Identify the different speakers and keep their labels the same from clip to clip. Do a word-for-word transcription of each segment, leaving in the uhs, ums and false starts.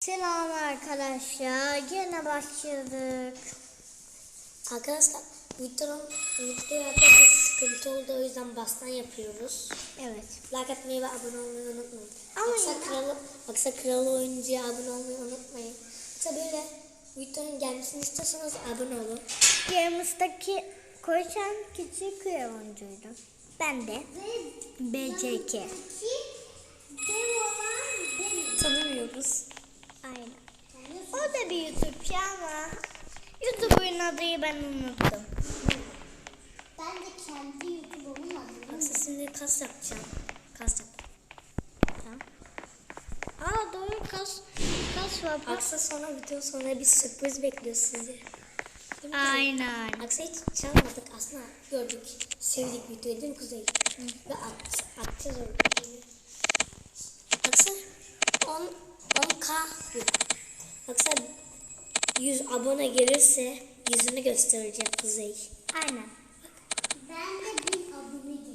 Speaker 1: Selam arkadaşlar, gene başladık.
Speaker 2: Arkadaşlar videonun videoda bir sıkıntı oldu, o yüzden baştan yapıyoruz.
Speaker 1: Evet.
Speaker 2: Like atmayı ve abone olmayı unutmayın.
Speaker 1: Ama
Speaker 2: Aksa
Speaker 1: ya.
Speaker 2: kralı, Aksa kralı oyuncuya abone olmayı unutmayın. Yoksa böyle videonun gelmesini istiyorsanız abone olun.
Speaker 1: Games'taki koşan küçük oyuncuydu. Ben de B C K.
Speaker 2: Tanımıyoruz.
Speaker 1: Aynen. O da bir YouTube'cu ama YouTube'un adını ben unuttum.
Speaker 3: Ben de kendi YouTube'umun adını.
Speaker 2: Aksa şimdi kas yapacağım. Kas yap.
Speaker 1: Tamam. Aa doğru kas kas var.
Speaker 2: Aksa sonra video sonra bir sürpriz bekliyor sizi. Değil mi?
Speaker 1: Aynen.
Speaker 2: Aksa hiç çalmadık aslında, gördük. Sevdik videoyu değil mi Kuzey? Ve at, atacağız orada. Aksa on K yok. Aksa yüz abone gelirse yüzünü gösterecek Kuzey.
Speaker 1: Aynen.
Speaker 3: Ben de bir abone değilim.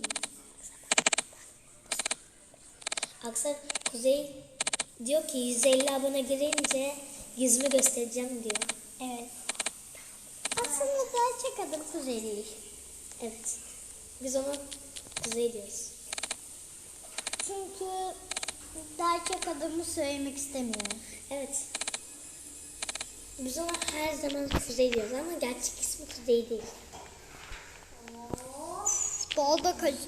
Speaker 2: Aksa Kuzey diyor ki yüz elli abone gelince yüzümü göstereceğim diyor.
Speaker 1: Evet. Aslında gerçek adım Kuzey değil.
Speaker 2: Evet. Biz ona Kuzey diyoruz.
Speaker 1: Çünkü gerçek adımı söylemek istemiyorum.
Speaker 2: Evet. Biz ona her zaman Kuzey diyoruz ama gerçek ismi Kuzey değil.
Speaker 1: Bolda kaç.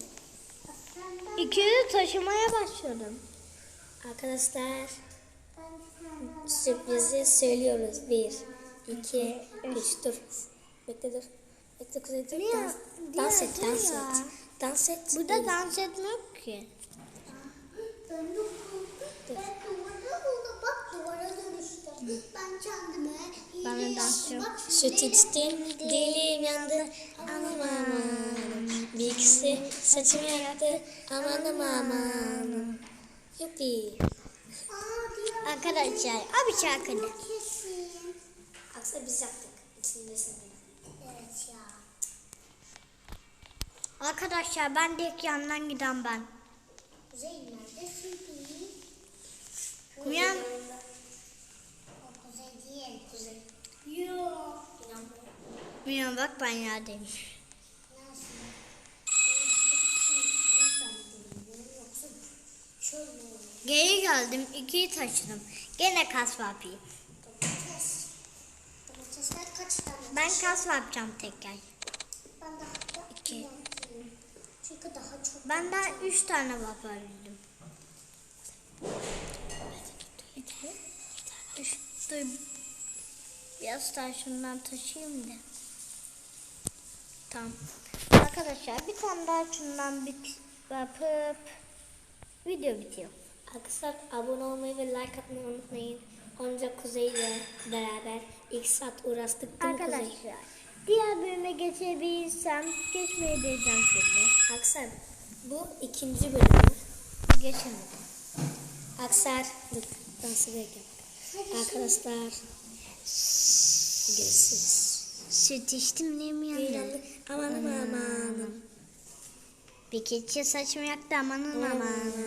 Speaker 1: İkili taşımaya başladım.
Speaker 2: Arkadaşlar sürprizi söylüyoruz. Bir, iki, üç, dur. Bekle dur. Bekle Kuzey dur.
Speaker 1: Niye?
Speaker 2: Dans, dans et,
Speaker 1: Niye?
Speaker 2: dans
Speaker 1: Dur ya.
Speaker 2: et. Dans et.
Speaker 1: Burada dans etmiyor ki.
Speaker 3: Ben de ben duvara buldum. Bak duvara dönüştüm. Ben kendime
Speaker 1: Ben de
Speaker 3: hile
Speaker 1: dans
Speaker 3: yaptım.
Speaker 1: yok.
Speaker 3: Bak
Speaker 2: Süt içtim, dilim yandı. Aman aman. Bir ikisi saçımı yaktı. Amanım aman. Yuppi.
Speaker 3: Aa diğer
Speaker 1: Arkadaşlar abi şarkıda.
Speaker 3: kesin.
Speaker 2: Aksa biz yaptık. İçindesin.
Speaker 3: Evet ya.
Speaker 1: Arkadaşlar ben de ilk yandan giden ben.
Speaker 3: Kuzey neredesin peki?
Speaker 1: Uyan.
Speaker 3: O Kuzey değil.
Speaker 2: Kuzey.
Speaker 3: Yok.
Speaker 1: Uyan bak ben yerdeyim. Geri geldim ikiyi taşıdım. Gene kas yapayım.
Speaker 3: Domates. Domatesler kaç tane?
Speaker 1: Ben kas yapacağım tekrar.
Speaker 3: Ben daha da
Speaker 1: İki.
Speaker 3: yapayım. Çünkü daha çok.
Speaker 1: Ben daha üç tane yapabildim. Dur, dur. Biraz daha şundan taşıyayım da. Tamam. Arkadaşlar bir tane daha şundan bit yapıp video bitiyor.
Speaker 2: Arkadaşlar abone olmayı ve like atmayı unutmayın. Onca Kuzey'le beraber ilk saat uğraştık değil mi Kuzey?
Speaker 1: Arkadaşlar diğer bölüme geçebilirsem geçmeyi deneyeceğim şimdi.
Speaker 2: Aksar bu ikinci bölümü.
Speaker 1: Geçemedim.
Speaker 2: Aksar dur dansı bekle. Arkadaşlar görüşürüz.
Speaker 1: Süt içtim ne mi yandı?
Speaker 2: Yandık. Amanım amanım.
Speaker 1: Bir keçi saçımı yaktı amanın amanın.